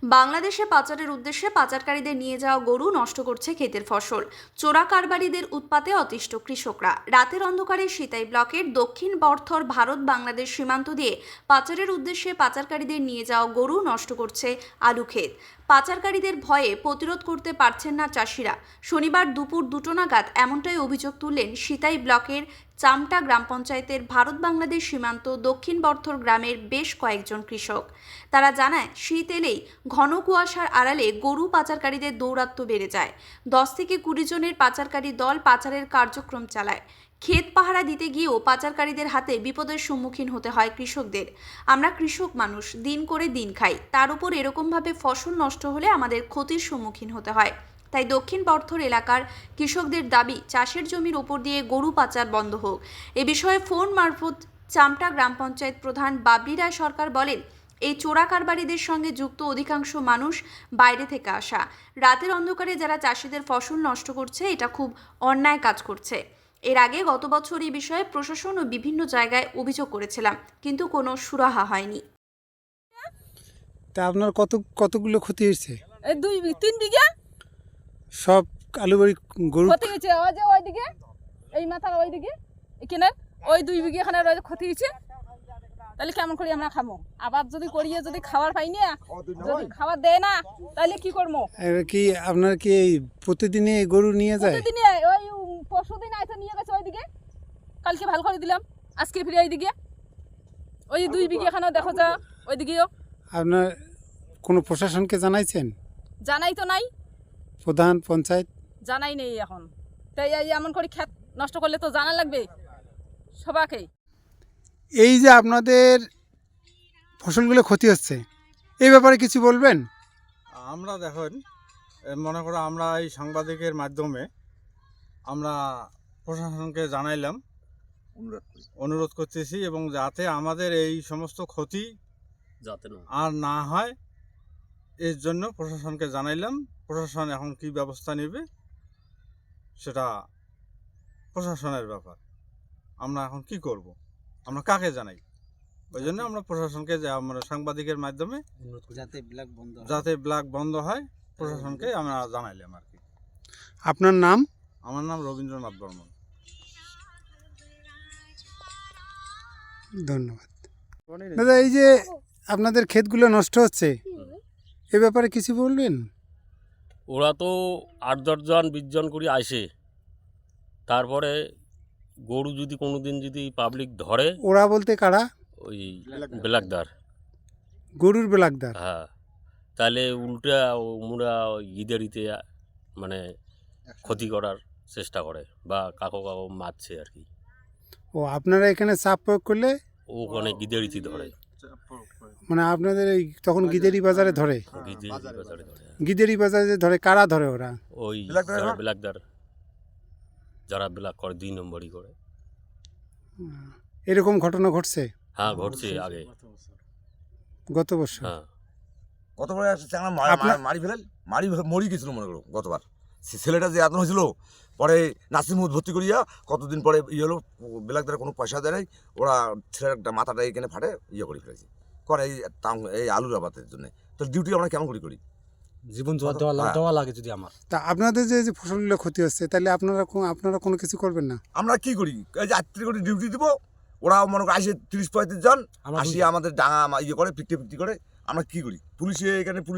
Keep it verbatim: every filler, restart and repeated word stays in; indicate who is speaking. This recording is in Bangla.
Speaker 1: বাংলাদেশে পাচারের উদ্দেশ্যে পাচারকারীদের নিয়ে যাওয়া গরু নষ্ট করছে ক্ষেতের ফসল। চোরা কারবারিদের উৎপাতে অতিষ্ঠ কৃষকরা। রাতের অন্ধকারে সিতাই ব্লকের দক্ষিণ বর্থর ভারত বাংলাদেশ সীমান্ত দিয়ে পাচারের উদ্দেশ্যে পাচারকারীদের নিয়ে যাওয়া গরু নষ্ট করছে আলু ক্ষেত। পাচারকারীদের ভয়ে প্রতিরোধ করতে পারছেন না চাষিরা। শনিবার দুপুর দুটো নাগাদ এমনটাই অভিযোগ তুললেন সিতাই ব্লকের চামটা গ্রাম পঞ্চায়েতের ভারত বাংলাদেশ সীমান্ত দক্ষিণ বর্থর গ্রামের বেশ কয়েকজন কৃষক। তারা জানায়, শীত এলেই ঘন কুয়াশার আড়ালে গরু পাচারকারীদের দৌরাত্ম্য বেড়ে যায়। দশ থেকে কুড়ি জনের পাচারকারী দল পাচারের কার্যক্রম চালায়। ক্ষেত পাহারা দিতে গিয়েও পাচারকারীদের হাতে বিপদের সম্মুখীন হতে হয় কৃষকদের। আমরা কৃষক মানুষ, দিন করে দিন খাই, তার উপর এরকমভাবে ফসল নষ্ট হলে আমাদের ক্ষতির সম্মুখীন হতে হয়। তাই দক্ষিণ বর্থর এলাকার কৃষকদের দাবি, চাষের জমির ওপর দিয়ে গরু পাচার বন্ধ হোক। এ বিষয়ে ফোন মারফত চামটা গ্রাম পঞ্চায়েত প্রধান বাবলি রায় সরকার বলেন, এই চোরা কারবারিদের সঙ্গে যুক্ত অধিকাংশ মানুষ বাইরে থেকে আসা। রাতের অন্ধকারে যারা চাষিদের ফসল নষ্ট করছে, এটা খুব অন্যায় কাজ করছে। এর আগে গত বছর এই বিষয়ে প্রশাসন ও বিভিন্ন জায়গায় অভিযোগ করেছিলাম, কিন্তু কোনো সুরাহা হয়নি।
Speaker 2: তা আপনার কত কতগুলো ক্ষতি হয়েছে?
Speaker 3: এই দুই তিন বিঘা
Speaker 2: সব আলু বাড়ি গরু
Speaker 3: ক্ষতি হয়েছে। ওই যে ওইদিকে এই মাথার ওইদিকে এখানে ওই দুই বিঘা এখানে ক্ষতি হয়েছে। তাহলে কেমন করি আমরা খাবো? আবার যদি করিয়ে যদি খাবার পাই না, যদি খাবার দেয় না, তাহলে কি করবো?
Speaker 2: কি আপনার কি এই প্রতিদিনে গরু নিয়ে যায়?
Speaker 3: প্রতিদিনে ওই পরশুদিন আইসা নিয়ে গেছে ওইদিকে, কালকে ভালো করে দিলাম, আজকে ফিরে ওইদিকে ওই দুই বিঘা এখানেও দেখো যা ওইদিকেও।
Speaker 2: আপনার কোনো প্রশাসনকে জানাইছেন?
Speaker 3: জানাই তো নাই,
Speaker 2: প্রধান পঞ্চায়েত
Speaker 3: জানাই নেই এখন। তাই এই এমন করে ক্ষেত নষ্ট করলে তো জানা লাগবে সবাইকেই।
Speaker 2: এই যে আপনাদের ফসলগুলো ক্ষতি হচ্ছে, এই ব্যাপারে কিছু বলবেন?
Speaker 4: আমরা দেখেন, মনে করো আমরা এই সাংবাদিকের মাধ্যমে আমরা প্রশাসনকে জানাইলাম, অনুরোধ করতেছি, এবং যাতে আমাদের এই সমস্ত ক্ষতি যাতে আর না হয় এর জন্য প্রশাসনকে জানাইলাম। প্রশাসন এখন কি ব্যবস্থা নেবে সেটা প্রশাসনের ব্যাপার। আমরা এখন কি করব, আমরা কাকে জানাই? ওই জন্য আমরা প্রশাসনকে আমরা সাংবাদিকের মাধ্যমে যাতে ব্ল্যাক বন্ধ যাতে ব্ল্যাক বন্ধ হয় প্রশাসনকে আমরা জানাইলাম আর কি।
Speaker 2: আপনার নাম?
Speaker 4: আমার নাম রবীন্দ্রনাথ বর্মন।
Speaker 2: ধন্যবাদ দাদা। এই যে আপনাদের ক্ষেতগুলো নষ্ট হচ্ছে, এ ব্যাপারে কিছু বলবেন?
Speaker 5: ওরা তো আট দশজন বিশ জন করে আসে, তারপরে গরু যদি কোনো দিন যদি পাবলিক ধরে,
Speaker 2: ওরা বলতে কারা?
Speaker 5: ওই ব্ল্যাকদার,
Speaker 2: গরুর ব্ল্যাকদার।
Speaker 5: হ্যাঁ, তাহলে উল্টা ওরা ঈদের ইতে মানে ক্ষতি করার চেষ্টা করে বা কাকো কাকো মারছে আর কি।
Speaker 2: ও আপনারা এখানে চাপ প্রয়োগ করলে
Speaker 5: ওখানে গিদের ইতি ধরে,
Speaker 2: মানে আপনাদের এই তখন গিদেরি বাজারে ধরে?
Speaker 5: গিদেরি বাজারে ধরে।
Speaker 2: গিদেরি বাজারে ধরে কারা ধরে? ওরা
Speaker 5: ওই ব্ল্যাকদার, যারা ব্ল্যাক করে, দুই নম্বরই করে।
Speaker 2: এরকম ঘটনা ঘটছে?
Speaker 5: হ্যাঁ, ঘটছে আগে,
Speaker 2: গত বছর।
Speaker 5: হ্যাঁ,
Speaker 6: গতবার একটা চাঙা মারি ফেলেন, মারি মরি গেছিল মনে করো গতবার। ছেলেটা যে এত হয়েছিল, পরে নাসিমুদ ভর্তি করিয়া কতদিন পরে ইয়ে হলো, ব্ল্যাকদারে কোনো পয়সা দেয় নাই, ওরা ছেলেটা মাথাটা এখানে ফাটে ইয়ে করে ফেলেছে করে এই এই আলুর আবাদের জন্য। তো ডিউটি আমরা কেমন করি করি?
Speaker 7: জীবন দেওয়া লাগে যদি আমার।
Speaker 2: তা আপনাদের যে যে ফসলগুলো ক্ষতি হচ্ছে, তাহলে আপনারা আপনারা কোনো কিছু করবেন না?
Speaker 6: আমরা কি করি, এই যে আটত্রিশ করে ডিউটি দিব, ওরা মনে করো আসে তিরিশ পঁয়ত্রিশ জন আসিয়ে আমাদের ডাঙা ইয়ে করে পিকটে পিকটি করে। আমরা কি করি, পুলিশে এখানে